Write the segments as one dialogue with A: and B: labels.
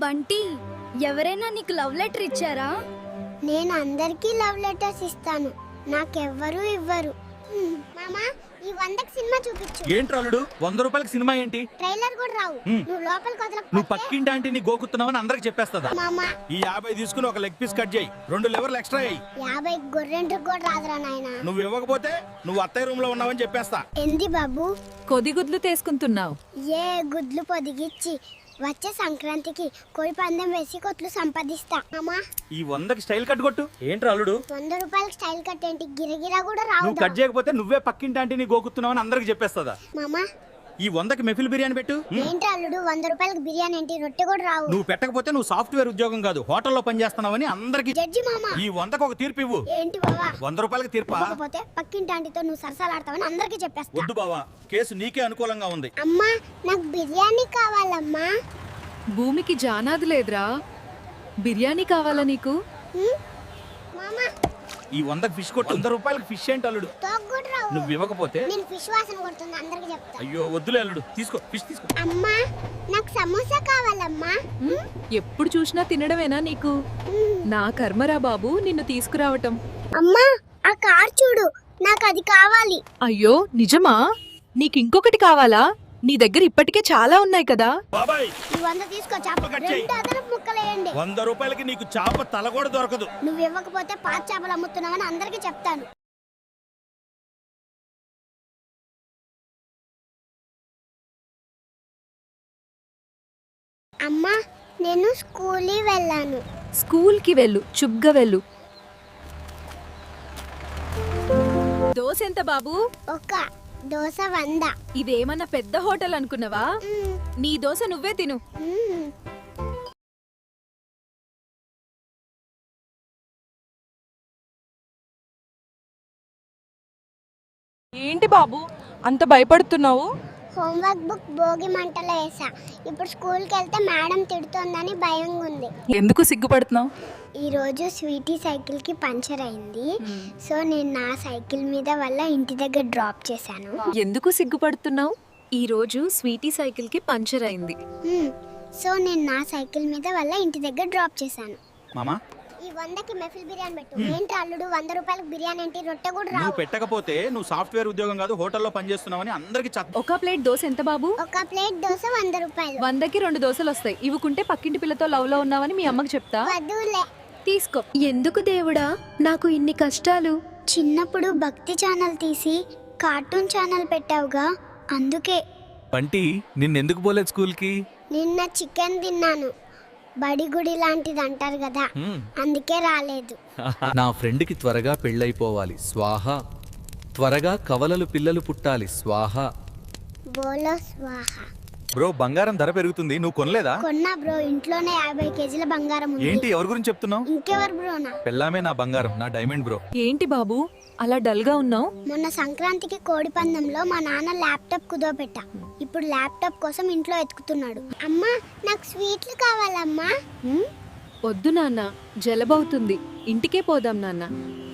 A: బంటి, ఎవరైనా నీకు love letter ఇచ్చారా?
B: నేను అందరికీ లవ్ లెటర్స్ ఇస్తాను, నాకెవ్వరూ ఇవ్వరు. మామా, ఈ 100కి సినిమా చూపించు.
C: ఏంటి అల్లుడు 100 రూపాయలకి సినిమా ఏంటి?
B: ట్రైలర్ కూడా రావు. నువ్వు లోపలికి వదలకపోతే
C: నువ్వు పక్కింటి ఆంటీని గోకుతున్నావని అందరికి చెప్పేస్తుందా?
B: మామా,
C: ఈ 50 తీసుకుని ఒక లెగ్ పీస్ కట్ చేయి, 2 లివర్లు ఎక్స్ట్రా అయ్యి.
B: 50 గొర్రెంట్రకు కూడా రాదురా నాయనా.
C: నువ్వు ఇవ్వకపోతే నువ్వు అత్తయ్య రూమ్ లో ఉన్నావని చెప్పేస్తా.
B: ఎంది బాబు
D: కొదిగుడ్లు తీసుకుంటున్నావు?
B: ఏ గుడ్లు పొదిగిచ్చి వచ్చే సంక్రాంతికి కోడి పందెం వేసి కొట్లు సంపాదిస్తా. మామా,
C: ఈ 100కి స్టైల్ కట్ కొట్టు. ఏంటి అల్లుడు
B: 100 రూపాయలకి స్టైల్ కట్ ఏంటి? గిరగిరా కూడా రావు.
C: నువ్వు కట్ చేయకపోతే నువ్వే పక్కింటి ఆంటీని గోకుతున్నావని అందరికి చెప్పేస్తుందా?
B: మామా,
C: ఈ 100కి మెఫిల్ బిర్యానీ పెట్టు.
B: ఏంటి అల్లుడు 100 రూపాయలకి బిర్యానీ ఏంటి? రొట్టె కూడా రావు.
C: నువ్వు పెట్టకపోతే నువ్వు సాఫ్ట్వేర్ ఉద్యోగం కాదు హోటల్లో పనిచేస్తున్నావని అందరికి.
B: జడ్జి మామా,
C: ఈ 100కి ఒక తీర్పు ఇవ్వు.
B: ఏంటి బావా?
C: 100 రూపాయలకి తీర్పా?
B: కాకపోతే పక్కింటి ఆంటీతో నువ్వు సరసాలాడతావని అందరికీ చెప్పేస్తా.
C: వద్దు బావా, కేసు నీకే అనుకూలంగా ఉంది.
B: అమ్మా, నాకు బిర్యానీ కావాలమ్మా.
D: భూమికి జానాది లేదురా, బిర్యానీ కావాలా నీకు?
B: మామా,
C: ఈ 100కి ఫిష్ కొట్టు. 100 రూపాయలకి ఫిష్ ఏంటి అల్లుడు?
B: తోక్ కూడా రావు.
C: నువ్వు ఇవ్వకపోతే
B: నేను ఫిష్ వాసన కొడుతుంది అందరికీ చెప్తా.
C: అయ్యో వద్దులే అల్లుడు, తీసుకో ఫిష్ తీసుకో.
B: అమ్మా, నాకు సమోసా కావాలమ్మా.
D: ఎప్పుడు చూసినా తినడమేనా నీకు? నా కర్మరా బాబు నిన్ను తీసుకురావటం.
B: అమ్మా, ఆ కార్ చూడు, నాకు అది కావాలి.
D: అయ్యో నిజమా? నీకింకొకటి కావాలా? నీ దగ్గర ఇప్పటికే చాలా ఉన్నాయి కదా.
C: బాబాయ్,
B: ఈ 100 తీసుకో, చేప
C: కట్ చేయి.
B: 2 అదనపు ముక్కలేయండి.
C: 100 రూపాయలకి నీకు చేప తల కూడా దొరకదు.
B: నువ్వు ఇవ్వకపోతే పాత చేపలు అమ్ముతున్నావని అందరికీ చెప్తాను. అమ్మా, నేను స్కూల్కి వెళ్ళాను.
D: స్కూల్కి వెళ్ళు, చుగ్గా వెళ్ళు. దోశ ఎంత బాబు?
B: ఒక దోశ 100.
D: ఇదేమన్నా పెద్ద హోటల్ అనుకున్నావా? నీ దోశ నువ్వే తిను. ఏంటి బాబు అంత భయపడుతున్నావు?
B: హోంవర్క్ బుక్ భోగి మంటలో వేసా. ఇప్పుడు స్కూల్కి వెళ్తే మేడం తిడుతోందని భయంగా ఉంది.
D: ఎందుకు సిగ్గుపడుతున్నావు?
B: ఈరోజు స్వీటీ సైకిల్కి పంచర్ అయింది. సో నేను నా సైకిల్ మీద వల్ల ఇంటి దగ్గర డ్రాప్ చేశాను.
D: ఎందుకు సిగ్గుపడుతున్నావు? ఈ రోజు స్వీటీ సైకిల్ కి పంచర్ అయింది.
B: సో నేను నా సైకిల్ మీద వల్ల ఇంటి దగ్గర డ్రాప్ చేశాను.
C: మామా,
B: ఈ 100కి మెఫిల్ బిర్యానీ పెట్టు. ఏంటి అల్లుడు 100 రూపాయలకి బిర్యానీ ఏంటి? రొట్టె కూడా రావు.
C: నువ్వు పెట్టకపోతే నువ్వు సాఫ్ట్వేర్ ఉద్యోగం కాదు హోటల్లో పనిచేస్తున్నావని అందరికి
D: ఒక ప్లేట్ దోశ ఎంత బాబు?
B: ఒక ప్లేట్ దోశ 100 రూపాయలు.
D: 100కి 2 దోశలు వస్తాయి. ఇవ్వకుంటే పక్కింటి పిల్లతో లవ్ లో ఉన్నావని మీ అమ్మకి చెప్తా.
B: వద్దులే.
D: తీసుకో.
A: ఎందుకు దేవుడా నాకు ఇన్ని కష్టాలు?
B: చిన్నప్పుడు భక్తి ఛానల్ తీసి కార్టూన్ ఛానల్ పెట్టావుగా, అందుకే.
C: బంటి నిన్నెందుకు పోలేదు స్కూల్కి?
B: నిన్న చికెన్ తిన్నాను. బడి గుడి లాంటిది అంటారు కదా, అందుకే రాలేదు.
E: నా ఫ్రెండ్కి త్వరగా పెళ్ళైపోవాలి స్వాహ, త్వరగా కవలలు పిల్లలు పుట్టాలి స్వాహ.
B: బోలో స్వాహ.
C: బ్రో బంగారం ధర పెరుగుతుంది, నువ్వు కొనలేదా?
B: కొన్నా బ్రో, ఇంట్లోనే 50 కేజీల బంగారం ఉంది.
C: ఏంటి ఎవరి గురించి చెప్తున్నావు?
B: ఇంకెవరు బ్రోనా?
C: పెళ్ళామే నా బంగారం, నా డైమండ్ బ్రో.
D: ఏంటి బాబు అలా డల్ గా ఉన్నావు?
B: మొన్న సంక్రాంతికి కోడి పందెంలో మా నాన్న ల్యాప్టాప్ కుదోపెట్టా. ఇప్పుడు ల్యాప్టాప్ కోసం ఇంట్లో ఎతుకుతున్నాడు. అమ్మా, నాకు స్వీట్లు కావాలమ్మా.
D: వద్దు నాన్న, జలబవుతుంది. ఇంటికే పోదాం నాన్న.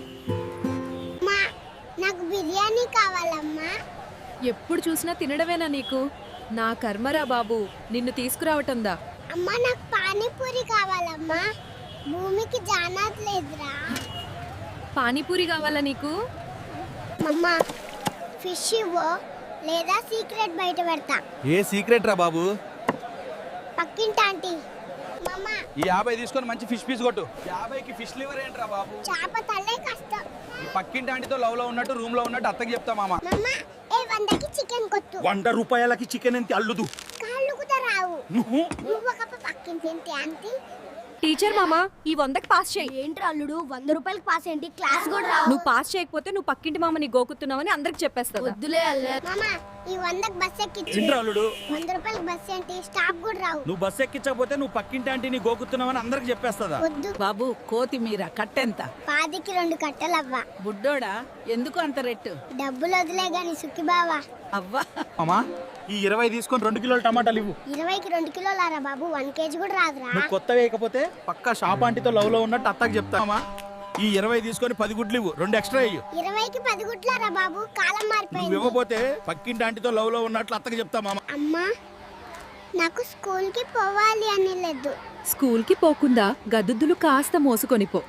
B: అమ్మా, నాకు బిర్యానీ కావాలమ్మా.
D: ఎప్పుడు చూసినా తినడమేనా నీకు? నా కర్మరా బాబు నిన్ను తీసుకురావటందా.
B: అమ్మా, నాకు పానీపూరి కావాలమ్మా. భూమికి జానాత్ లేదురా.
D: పానీపూరి కావాలా నీకు?
B: అమ్మా, ఫిష్ ఇవ్వో లేదా సీక్రెట్ బయట పెడతా.
C: ఏ సీక్రెట్ రా బాబు?
B: పక్కింటి ఆంటీ. మమ్మా,
C: ఈ 50 తీసుకొని మంచి ఫిష్ పీస్ కొట్టు. 50కి ఫిష్ లివర్ ఏంట్రా బాబు?
B: చేప తల్లే కష్టం.
C: పక్కింటి ఆంటీతో లవ్ లో ఉన్నట్టు రూమ్ లో ఉన్నట్టు అత్తకి చెప్తా మామ.
B: మమ్మా, ఏ 100కి చికెన్ కొట్టు.
C: 100 రూపాయలకి చికెన్ ఎంత అల్లుదు?
B: కాళ్ళు కూడా రావు.
C: నువ్వు
B: నువ్వు ఒక పక్కింటి ఆంటీ.
D: టీచర్ మామా, ఈ 100కి పాస్ చేయి.
A: ఏంటి అల్లుడు 100 రూపాయలకి పాస్ ఏంటి? క్లాస్ కూడా రావు.
D: నువ్వు పాస్ చేయకపోతే నువ్వు పక్కింటి మామని గోకుతున్నావని అందరికి చెప్పేస్తా.
A: వద్దులే అల్లే.
B: మమ్మా, ఈ 100కి బస్ ఎక్కించు.
C: ఏంట్రా అల్లుడు?
B: 100 రూపాయలకి బస్ ఏంటి? స్టాప్ కూడా రావు.
C: నువ్వు బస్ ఎక్కించకపోతే నువ్వు పక్కింటి ఆంటీని గోకుతున్నావని అందరికి చెప్పేస్తుందా?
B: వద్దు.
F: బాబు కొత్తిమీర కట్టెంత?
B: 10కి 2 కట్టలవ్వా.
F: బుడ్డోడా ఎందుకు అంత రెట్టు?
B: డబ్బులు వదిలే గాని సుఖి బావా.
F: అవ్వా,
C: మామా, ఈ 20 తీసుకొని 2 కిలోల టమాటాలు ఇవ్వు.
B: 20కి 2 కిలోలారా బాబు, 1 కేజీ కూడా రాదురా.
C: నువ్వు కొత్త వేయకపోతే పక్కా షాప్ ఆంటీతో లవ్ లో ఉన్నట్టు అత్తకి చెప్తామా. ఈ 20 తీసుకొని 10 గుడ్లు ఇవ్వు, 2 ఎక్స్ట్రా ఇవ్వు.
B: 20కి 10 గుట్లారా బాబు, కాలం
C: నువ్వు
B: మారిపోయింది.
C: ఇవ్వకపోతే పక్కింటి ఆంటీతో లవ్ లో ఉన్నట్లు అత్తకి చెప్తా మామ.
B: అమ్మా, నాకు స్కూల్కి పోవాలి అని లేదు.
D: స్కూల్కి పోకుండా గదుద్దులు కాస్త మోసుకొనిపో.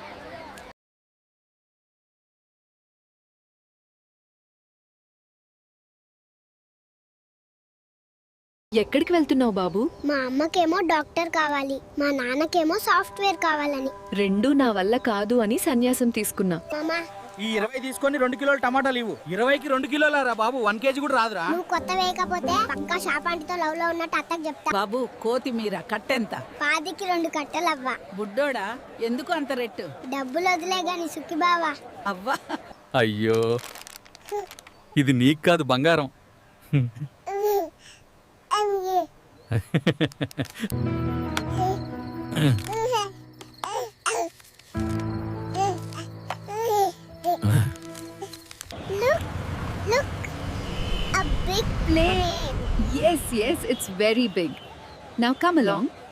D: ఎక్కడికి వెళ్తున్నావు బాబు?
B: మా అమ్మకేమో డాక్టర్ కావాలి, మా నాన్నకేమో సాఫ్ట్వేర్ కావాలని.
D: రెండూ నా వల్ల కాదు అని సన్యాసం తీసుకున్నా.
B: మామా
C: ఈ 20 తీసుకొని 2 కిలోలు టమాటాలు ఇవ్వు. 20కి 2 కిలోలారా బాబు, 1 కేజీ కూడా రాదురా.
B: నువ్వు కొత్త వేయకపోతే పక్కా షాప్ ఆంటీతో లవ్ లో ఉన్నట్టు అత్తకు చెప్తా.
F: బాబు కొత్తిమీర కట్టెంత?
B: 10కి 2 కట్టెలు అవ్వా.
F: బుడ్డోడా ఎందుకు అంత రేటు?
B: డబ్బులు వదిలే గాని సుఖి బావా.
F: అవ్వా
E: అయ్యో, ఇది నీకు కాదు బంగారం.
B: Look, a big plane.
D: Yes, it's very big. Now come along.